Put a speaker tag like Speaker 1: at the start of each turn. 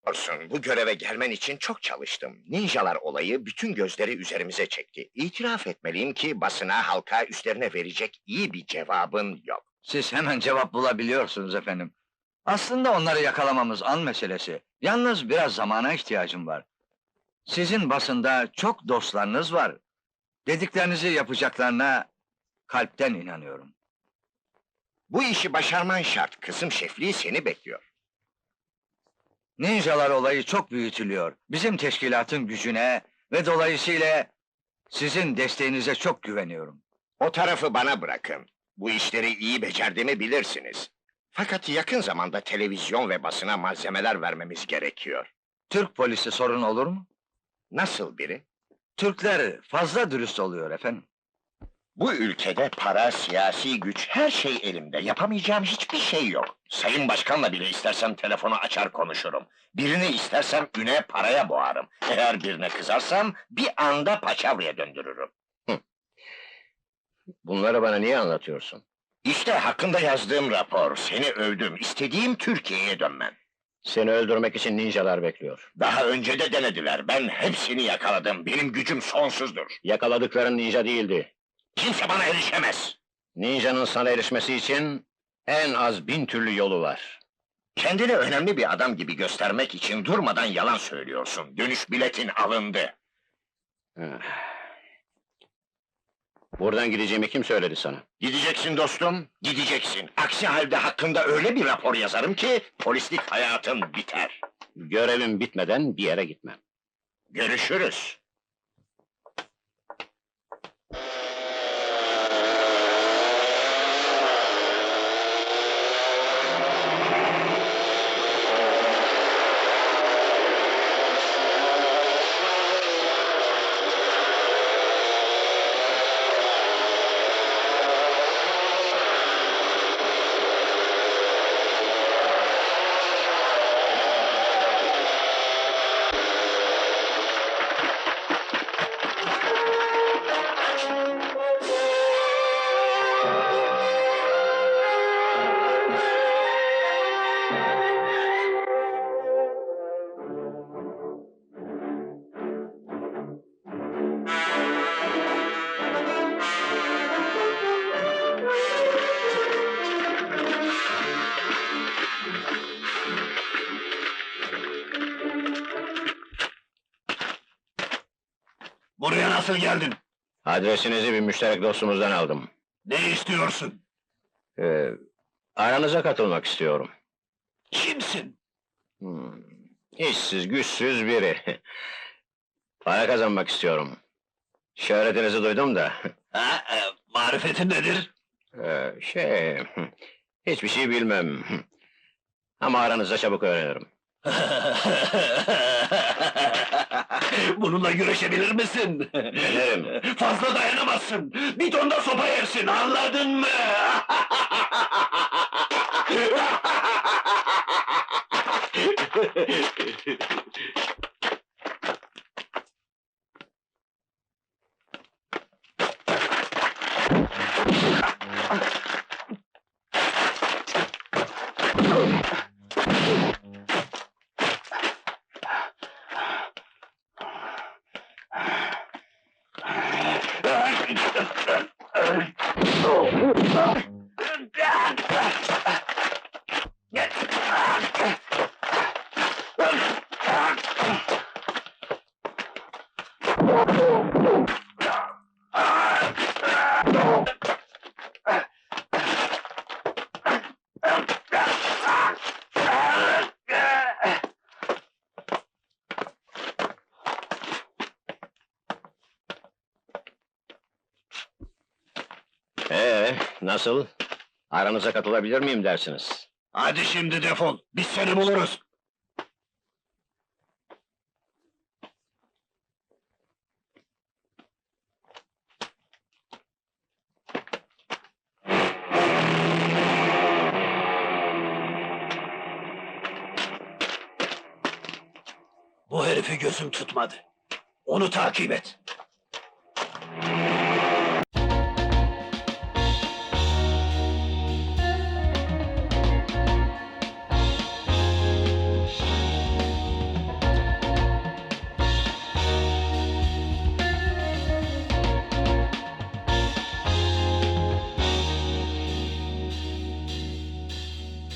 Speaker 1: Olsun, bu göreve gelmen için çok çalıştım. Ninjalar olayı bütün gözleri üzerimize çekti. İtiraf etmeliyim ki basına, halka üstlerine verecek iyi bir cevabın yok.
Speaker 2: Siz hemen cevap bulabiliyorsunuz efendim. Aslında onları yakalamamız an meselesi. Yalnız biraz zamana ihtiyacım var. Sizin basında çok dostlarınız var. Dediklerinizi yapacaklarına kalpten inanıyorum.
Speaker 1: Bu işi başarman şart, kızım şefliği seni bekliyor.
Speaker 2: Ninjalar olayı çok büyütülüyor. Bizim teşkilatın gücüne ve dolayısıyla sizin desteğinize çok güveniyorum.
Speaker 1: O tarafı bana bırakın. Bu işleri iyi becerdiğimi bilirsiniz. Fakat yakın zamanda televizyon ve basına malzemeler vermemiz gerekiyor.
Speaker 2: Türk polisi sorun olur mu?
Speaker 1: Nasıl biri?
Speaker 2: Türkler fazla dürüst oluyor efendim.
Speaker 1: Bu ülkede para, siyasi güç, her şey elimde. Yapamayacağım hiçbir şey yok. Sayın Başkan'la bile istersem telefonu açar konuşurum. Birini istersem üne, paraya boğarım. Eğer birine kızarsam bir anda paçavraya döndürürüm. Bunları bana niye anlatıyorsun? İşte hakkında yazdığım rapor. Seni övdüm. İstediğim Türkiye'ye dönmen. Seni öldürmek için ninjalar bekliyor. Daha önce de denediler. Ben hepsini yakaladım. Benim gücüm sonsuzdur. Yakaladıkların ninja değildi. Kimse bana erişemez. Ninjanın sana erişmesi için en az 1000 türlü yolu var. Kendini önemli bir adam gibi göstermek için durmadan yalan söylüyorsun. Dönüş biletin alındı. Buradan gideceğimi kim söyledi sana? Gideceksin dostum, gideceksin. Aksi halde hakkında öyle bir rapor yazarım ki polislik hayatın biter. Görevim bitmeden bir yere gitmem. Görüşürüz.
Speaker 3: Buraya nasıl geldin?
Speaker 1: Adresinizi bir müşterek dostumuzdan aldım.
Speaker 3: Ne istiyorsun?
Speaker 1: Aranıza katılmak istiyorum.
Speaker 3: Kimsin?
Speaker 1: İşsiz, güçsüz biri. Para kazanmak istiyorum. Şöhretinizi duydum da.
Speaker 3: Marifetin nedir?
Speaker 1: Hiçbir şey bilmem. Ama aranızda çabuk öğrenirim.
Speaker 3: Bununla güreşebilir misin?
Speaker 1: Denerim.
Speaker 3: Fazla dayanamazsın! Bir tonda sopa yersin, anladın mı?
Speaker 1: Nasıl? Aranıza katılabilir miyim dersiniz?
Speaker 3: Hadi şimdi defol, biz seni buluruz! Bu herifi gözüm tutmadı. Onu takip et.